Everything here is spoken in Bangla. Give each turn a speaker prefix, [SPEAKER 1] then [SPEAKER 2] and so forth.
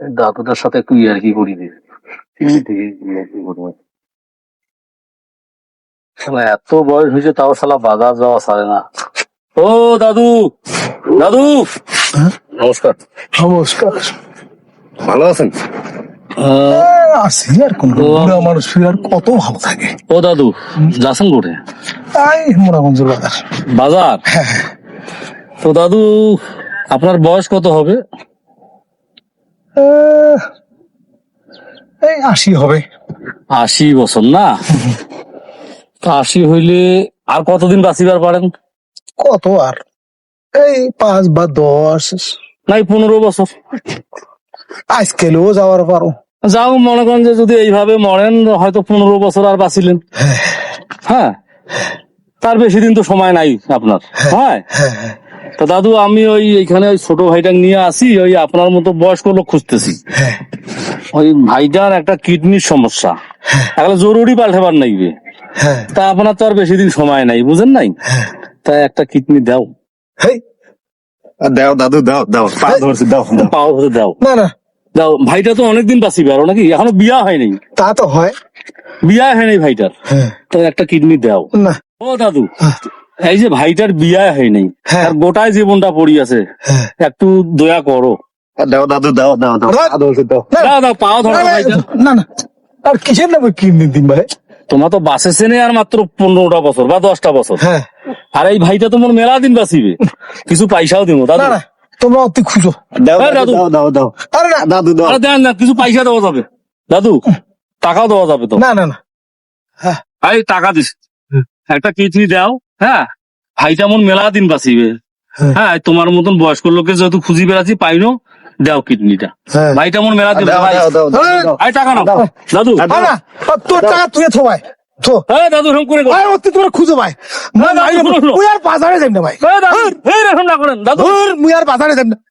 [SPEAKER 1] দাদুটার সাথে একটু ইয়ার্কি করি রে। শালা এত বয়স হয়েছে তাও শালা বাজার যাওয়া ছাড়ে না। ও দাদু, দাদু নমস্কার।
[SPEAKER 2] নমস্কার।
[SPEAKER 1] ভালো আছেন?
[SPEAKER 2] আছি আর কোন বুড়া মানুষ আর কত ভালো থাকে।
[SPEAKER 1] ও দাদু যাচ্ছেন কোটে?
[SPEAKER 2] তাই মোরাগঞ্জের বাজার।
[SPEAKER 1] বাজার? তো দাদু আপনার বয়স কত হবে?
[SPEAKER 2] এই 80 হবে।
[SPEAKER 1] 80 বছর না? 80 হইলে আর কতদিন বাঁচিবার পারেন?
[SPEAKER 2] কত আর এই 5 বা 10
[SPEAKER 1] নাই 15 বছর।
[SPEAKER 2] আজকেলেও যাওয়ার পারো।
[SPEAKER 1] যাও মনে করেন যে যদি এইভাবে মরেন হয়তো 15 বছর আর বাঁচিলেন। হ্যাঁ, তার বেশি দিন তো সময় নাই আপনার। হ্যাঁ, তা দাদু আমি এইখানে ওই ছোট ভাইটা নিয়ে আসি, ওই আপনার মতো বয়স্ক লোক খুঁজতেছি। ওই ভাইটার একটা কিডনির সমস্যা, এখন জরুরি পাল্টাবার নাইবে। তা আপনার তো আর বেশি দিন সময় নাই, বুঝেন নাই? তা একটা কিডনি দাও।
[SPEAKER 3] দাও দাদু দাও দাও, পা ধরছি, দাও দাও,
[SPEAKER 1] পাও ধরে দাও,
[SPEAKER 2] না না
[SPEAKER 1] দাও। ভাইটা তো অনেকদিন বাঁচিবে আরো নাকি, এখনো বিয়া হয়নি।
[SPEAKER 2] তা তো হয়।
[SPEAKER 1] বিয়া হয়নি ভাইটার, তো একটা কিডনি দাও
[SPEAKER 2] না।
[SPEAKER 1] ও দাদু, এই যে ভাইটার বিয়া হয়নি, আর গোটায় জীবনটা পড়ি আছে, একটু দয়া করো।
[SPEAKER 3] দাও দাদু দাও দাও দাও, পা ধরছি, দাও
[SPEAKER 1] দাও দাও, পাও ধরো ভাইটা।
[SPEAKER 2] না না আর কিসের নামে কিডনি দিন ভাই?
[SPEAKER 1] তোমার তো বাঁচেছে না আর মাত্র 15টা বছর বা 10টা বছর। আর এই ভাইটা তোমার মেলা দিন বাঁচিবে, কিছু পয়সাও দিব দাদু।
[SPEAKER 2] না না তোমরা অতি খুঁজো।
[SPEAKER 3] দাও
[SPEAKER 1] দাদু
[SPEAKER 3] দাও দাও দাও,
[SPEAKER 2] আরে না
[SPEAKER 3] দাদু দাও।
[SPEAKER 1] আরে দেন না, কিছু পয়সা দেওয়া যাবে দাদু, টাকাও দেওয়া যাবে তো।
[SPEAKER 2] না না না
[SPEAKER 1] এই টাকা দিস, একটা কিডনি দাও। হ্যাঁ, ভাইটা মন মেলা দিন বাঁচিবে। হ্যাঁ, তোমার মতন বয়স্ক লোকের যেহেতু খুঁজি বেড়াচ্ছি পাইনো, দাও কিডনিটা। ভাইটা মন মেলা দিন।
[SPEAKER 3] দাও দাও দাও দাও,
[SPEAKER 1] এই টাকা নাও দাদু।
[SPEAKER 2] না না তোর টাকা তুই থো ভাই, থো।
[SPEAKER 1] এই দাদু এরকম করে
[SPEAKER 2] ভাই অতি তোমরা খুঁজো ভাই।
[SPEAKER 1] না, না,
[SPEAKER 2] মুই আর বাজারে যাই না ভাই।
[SPEAKER 1] দাদু এরকম না করেন দাদু।
[SPEAKER 2] মুই আর বাজারে যাই না।